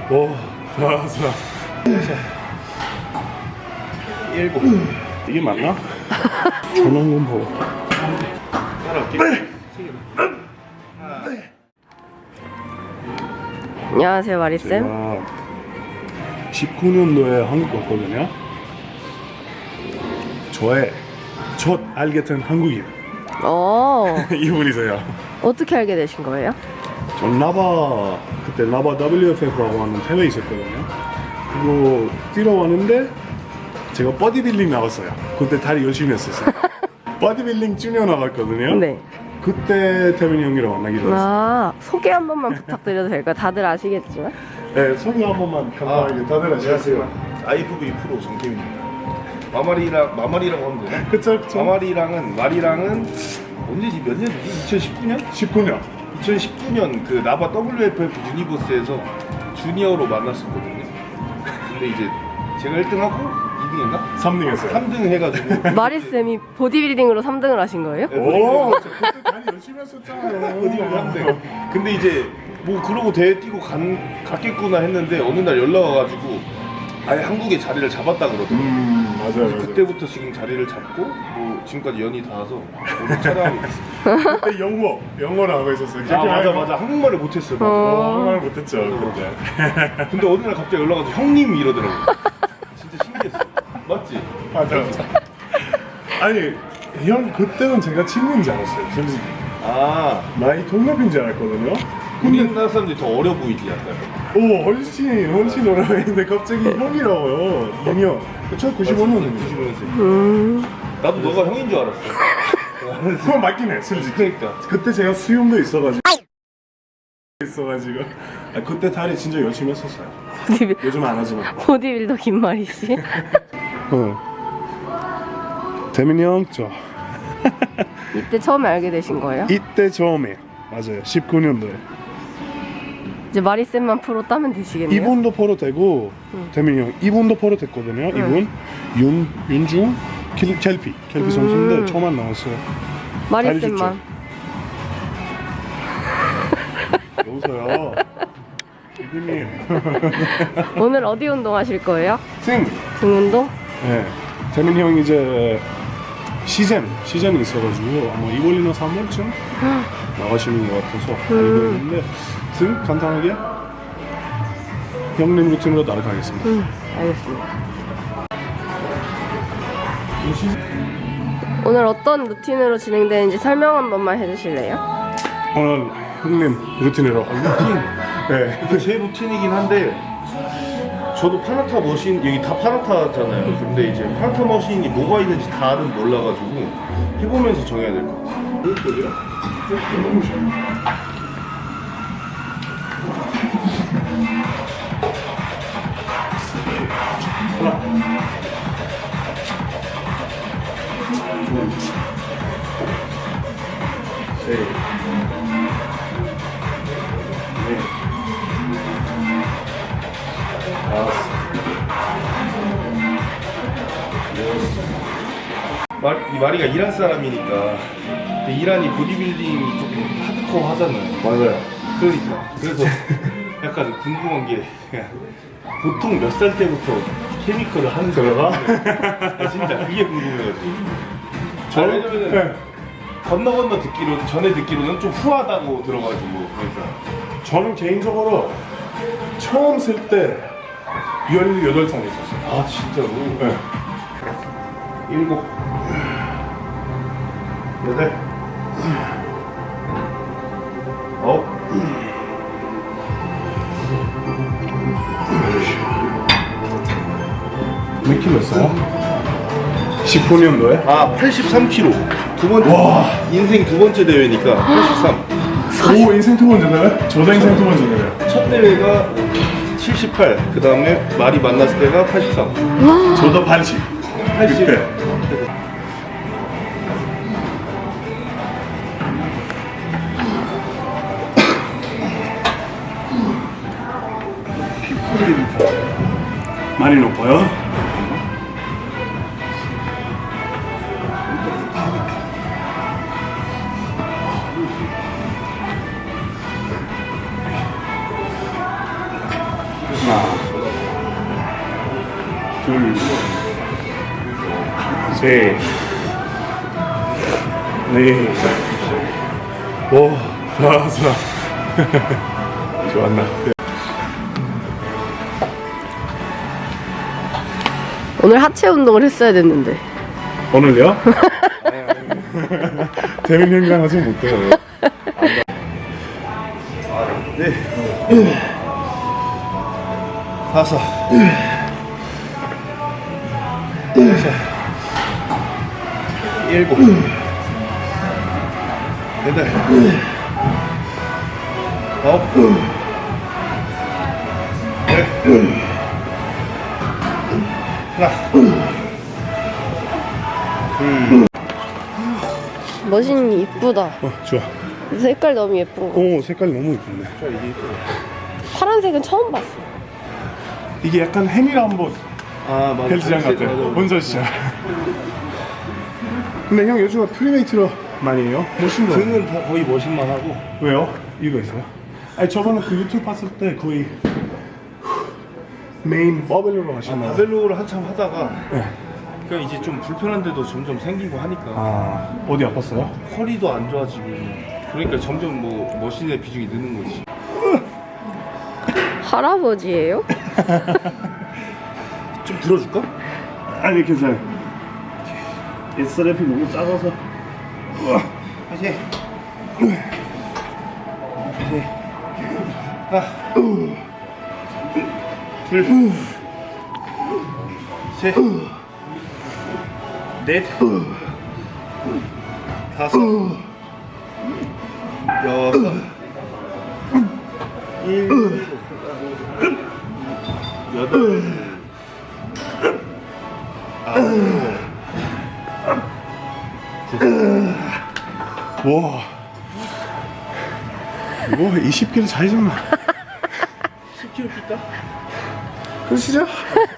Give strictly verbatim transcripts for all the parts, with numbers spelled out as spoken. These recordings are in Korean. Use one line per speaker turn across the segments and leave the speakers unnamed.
오, 다섯, 일곱. 이게 맞나? 전원금 보고.
안녕하세요, 마리쌤.
제가 십구 년도에 한국 왔거든요. 저의 첫 알게 된 한국인
어,
이분이세요.
어떻게 알게 되신 거예요?
전 나바 그때 나바 더블유에프에프라고 하는 대회 있었거든요. 그거 뛰러 왔는데 제가 버디빌딩 나갔어요. 그때 다리 열심히 했었어요. 버디빌딩 주니어 나갔거든요.
네.
그때 태민이 형이랑 만나기로 했어요.
아, 소개 한 번만 부탁드려도 될까요? 다들 아시겠지만.
네, 소개 한 번만 간단하게
아,
다들
안녕하세요. 아이에프브이 프로 정태민입니다. 마마리랑 마마리라고 하면 되나?
그쵸, 그쵸.
마마리랑은 마리랑은 언제지 몇 년이지? 이천십구 년?
십구 년.
이천십구 년 그 나바 더블유에프에프 유니버스에서 주니어로 만났었거든요. 근데 이제 제가 일 등하고 이 등인가?
삼 등 했어요.
삼 등 해가지고
마리쌤이 보디빌딩으로 삼 등을 하신 거예요?
오, 저 그때 다리 열심히 했었잖아요.
어디가 삼 등. 근데 이제 뭐 그러고 대회 뛰고 간, 갔겠구나 했는데 어느 날 연락 와가지고 아예 한국에 자리를 잡았다 그러더라고요.
음, 맞아요, 맞아요.
그때부터 지금 자리를 잡고 뭐 지금까지 연이 닿아서 오늘 촬영하고 있습니다.
그때 영어, 영어를 하고 있었어요.
아 맞아 맞아 한국말을 못했어요. 맞아.
어, 한국말 못했죠, 그때.
근데 어느 날 갑자기 연락 와서 형님 이러더라고요. 진짜 신기했어. 맞지?
맞아, 맞아. 아니, 형, 그때는 제가 친구인 줄 알았어요, 솔직히.
아
나이 동갑인 줄 알았거든요.
우리나라 사람들이 더 어려 보이지 약간.
오, 훨씬, 훨씬 오래했는데 갑자기 형이라고요. 유니어. 천구십오 년입니다.
구십오 년생.
음,
나도 너가 형인 줄 알았어.
그건 맞긴 해, 솔직히.
그러니까.
그때 제가 수염도 있어가지고. 있어가지고. 아, 그때 다리 진짜 열심히 했었어요.
보디빌,
요즘 안 하지만.
보디빌더 김마리 씨.
어. 태민이 형, 저.
이때 처음에 알게 되신 거예요?
이때 처음에. 맞아요. 십구 년도에.
이제 마리쌤만 프로 따면 되시겠네요?
이분도 포로 되고,
응.
태민이 형, 이분도 포로 됐거든요. 이분. 윤, 윤중, 켈, 켈피. 켈피
음.
선수인데 처음 안 나왔어요.
마리쌤만.
여보세요. 이분님.
오늘 어디 운동하실 거예요?
승.
등 운동?
네. 태민이 형 이제 시즌, 시즌이 있어가지고 아마 이월이나 삼월쯤 나가시는 것 같아서 알고 있는데 등 간단하게 형님 루틴으로 따라가겠습니다.
음, 알겠습니다. 오늘 어떤 루틴으로 진행되는지 설명 한 번만 해주실래요?
오늘 형님 루틴으로 루틴? 네.
이게 제 루틴이긴 한데 저도 파나타 머신 여기 다 파나타잖아요. 근데 이제 파나타 머신이 뭐가 있는지 다는 몰라가지고 해보면서 정해야 될 것 같아요. 말, 이 마리가 이란 사람이니까 근데 이란이 보디빌딩이 조금 하드코어 하잖아요.
맞아요.
그러니까 그래서 약간 궁금한 게 그냥 보통 몇 살 때부터 케미컬을 하는
들어가?
거야? 진짜 그게 궁금해가지고.
저-
아, 왜냐면은
네.
건너 건너 듣기로 전에 듣기로는 좀 후하다고 들어가지고 그러니까
저는 개인적으로 처음 쓸 때 열여덟 살 있었어요.
아 진짜로
네.
일곱 여덟 아홉
몇 킬로였어요? 십구 년도에?
아 팔십삼 킬로그램 두 번째
와.
인생 두 번째 대회니까 팔십삼.
오, 인생 두 번째 대회? 저도 인생 두 번째 대회.
첫 대회가 칠십팔, 그 다음에 말이 만났을 때가 팔십삼.
저도 팔십.
팔십.
그때. 많이 높아요? 둘, 셋, 넷, 오, 다섯. 좋았나?
오늘 하체 운동을 했어야 됐는데.
오늘요? 되는 행동하지 못해요.
네. 다섯. 여섯. 일곱. 여덟. 아홉. 열. 하나. 둘.
머신이 이쁘다.
어, 좋아.
색깔 너무 예쁜 거.
오, 색깔이 너무 예쁜데.
파란색은 처음 봤어.
이게 약간 해밀한 뭐
아 맞아.
헬스장 같아. 원저시장. 근데 형 요즘 프리메이트로 많이 해요? 멋진 거.
등은 다 거의 머신만 하고.
왜요? 이유가 있어요? 아니 저번에 그 유튜브 봤을 때 거의 메인 버벨로로 하시나요?
바벨로를 한참 하다가
네.
그러니까 이제 좀 불편한 데도 점점 생기고 하니까
아, 어디 아팠어요?
허리도 안 좋아지고 그러니까 점점 뭐 머신의 비중이 느는 거지.
할아버지예요?
좀 들어줄까?
아니 괜찮아요. 에스랩이 너무 작아서.
다시. 네. 하나. 둘. 셋. 넷. 다섯. 여섯. 일곱. 여덟. 아홉.
와. 이거 이십 킬로그램 차이잖아.
십 킬로그램 뛴다?
그러시죠?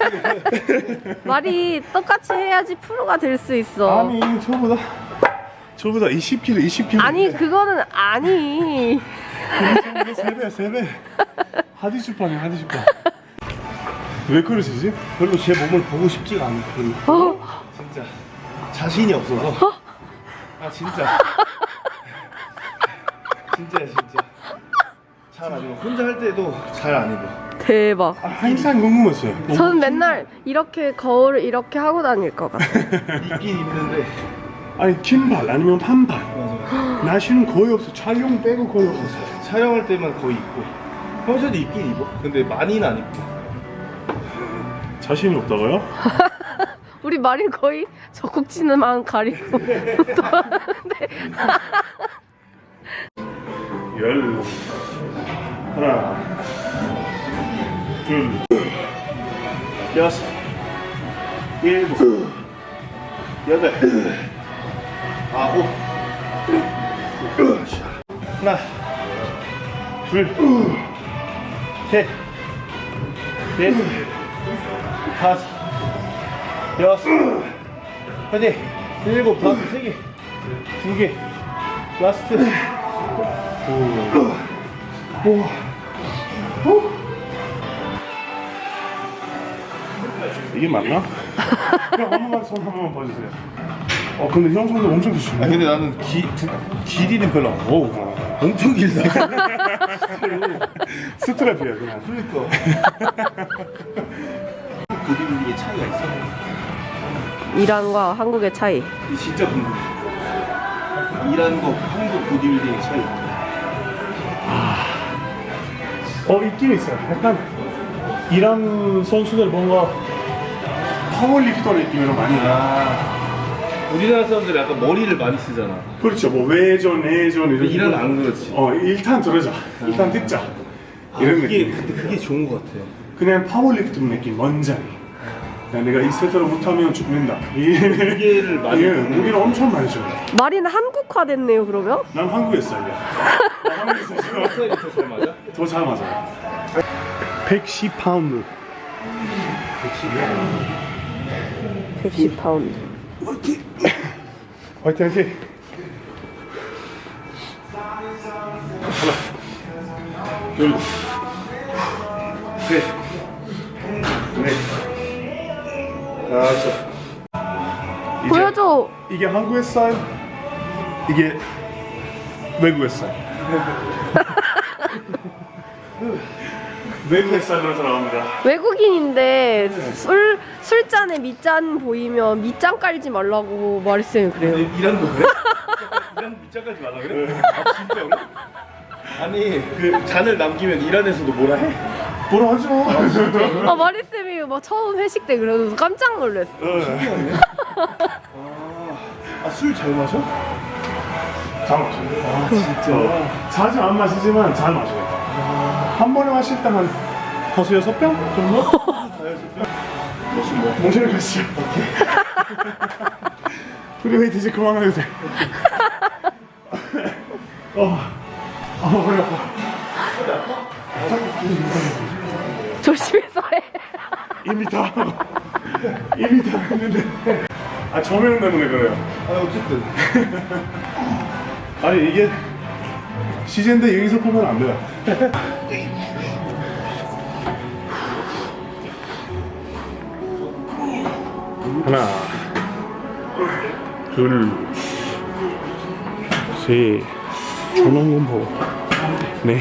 말이 똑같이 해야지 프로가 될 수 있어.
아니 저보다 저보다 이십 킬로그램 이십 킬로그램.
아니 그거는 아니.
세배 세배. 하디슈판이야 하디슈판. 왜 그러시지?
별로 제 몸을 보고 싶지가 않고
어?
진짜 자신이 없어서 아 진짜 진짜 진짜 잘 안 입어. 혼자 할 때도 잘 안 입어.
대박.
아, 항상 궁금했어요.
저는 맨날 이렇게 거울을 이렇게 하고 다닐 것 같아.
입긴 입는데
아니 긴발 아니면 반발.
맞아.
날씨는 거의 없어. 촬영 빼고 거의 없었어요.
촬영할 때만 거의 입고 평소에도 입긴 입어. 근데 많이는 안 입고.
자신이 없다고요?
우리 말이 거의 젖꼭지만 가리고 또 하는데.
열 하나 둘
여섯 일곱 여덟 아홉 하나 둘셋넷 다섯 여섯 여덟 일곱 다섯 세 개 두 개 라스트 오.
이게 맞나? 형 한 번만 손 한 번만 봐주세요. 어 근데 형 손도 엄청
아
기시네.
근데 나는 기, 두, 길이는 별로 안 어우 엄청 길다.
스트랩이야 그냥.
그러니까 보디빌딩의 차이가 있어.
이란과 한국의 차이.
이 진짜 궁금해. 이란과 한국 보디빌딩의 차이.
어 있긴 있어요. 약간 이란 선수들 뭔가 파워리프터 느낌으로 많이 나.
아 우리나라 사람들이 약간 머리를 많이 쓰잖아.
그렇죠. 뭐 외전, 내전 이런.
이란 안 그렇지.
어 일단 들어자. 일단 듣자.
아,
이런
그게
느낌.
근데 그게 좋은 것 같아.
그냥 파워리프트 느낌 원장이. 야, 내가 이 세트를 못하면 죽는다.
무게를 많이
예,
드는
무게를 엄청 많이 줘요.
말이는 한국화 됐네요 그러면?
난 한국에 살이야. 난 한국에 살아.
스타일이 더 잘 맞아?
더 잘 맞아요. 백십 파운드.
백십 파운드.
화이팅! 화이팅 화이팅! 하나 둘 셋 넷
알았어.
이제
보여줘.
이게 한국의 스타일, 이게 외국의 스타일. 외국의 스타일로 들어갑니다.
외국인인데 술 술잔에 밑잔 보이면 밑잔 깔지 말라고 마리쌤이 그래요.
이란도 그래?
이런 밑장까지 말라 그래?
아 진짜로? 아니 그 잔을 남기면 이란에서도 뭐라 해?
뭐라 하죠?
아 마리쌤이 막 처음 회식 때 그래서 깜짝 놀랐어.
아술 잘 마셔?
잘 마셔요. 아 진짜. 자주 안 마시지만 잘 마셔요. 한 번에 마실 때 한 다섯 여섯 병 정도?
무슨 뭐?
몽쉘 가시죠. 프리웨이트 이제 그만해도 돼. 어, 아 머리 아파.
조심해서 해.
이미 다 이미 다 했는데. 아 조명 때문에 그래요.
아 어쨌든
아니 이게 시즌인데 여기서 보면 안 돼요. 하나, 둘, 셋, 전원공포, 네,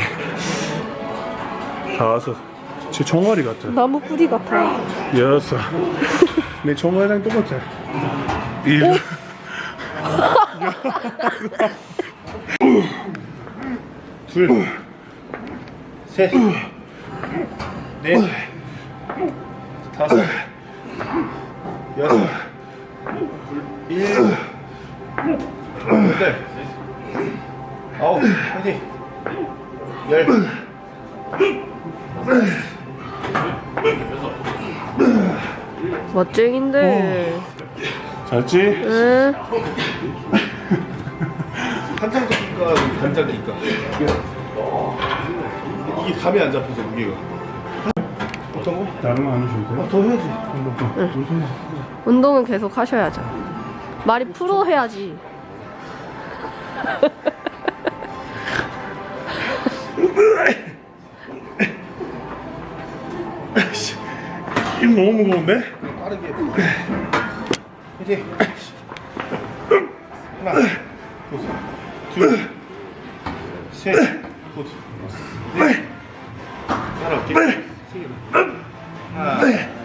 다섯, 제 종아리 같아.
나무 뿌리 같아.
여섯, 내 종아리랑 똑같아. 일, 둘,
셋, 넷, 다섯, 여섯, 일곱, 여덟, 아홉, 화이팅! 열,
멋쟁인데.
잘지?
응.
한장 잡힐까, 단장일까? 이게 감이 안 잡혀서 무게가. 어떤 거?
다른 거 안 하셔도 돼요?
더 해야지.
운동은 계속 하셔야죠. 말이 프로 해야지.
입 너무 무거운데?
빠르게. 화이팅! 하나, 둘, 셋, 굿. 넷, 하나, 세 개. 하나,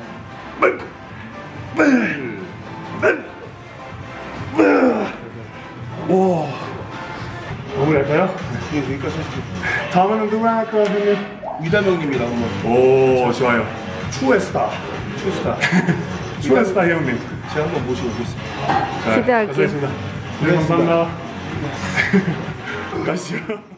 오. 마무리할까요?
이게 여기까지 하시죠.
다음에는 누구랑 할까요, 형님?
위담형님이랑 한번
오, 좋아요. 추에스타.
추스타.
추에스타 형님.
제가 한번 모시고 오겠습니다.
자,
기대할게요.
감사합니다. 네, 감사합니다. 가시죠.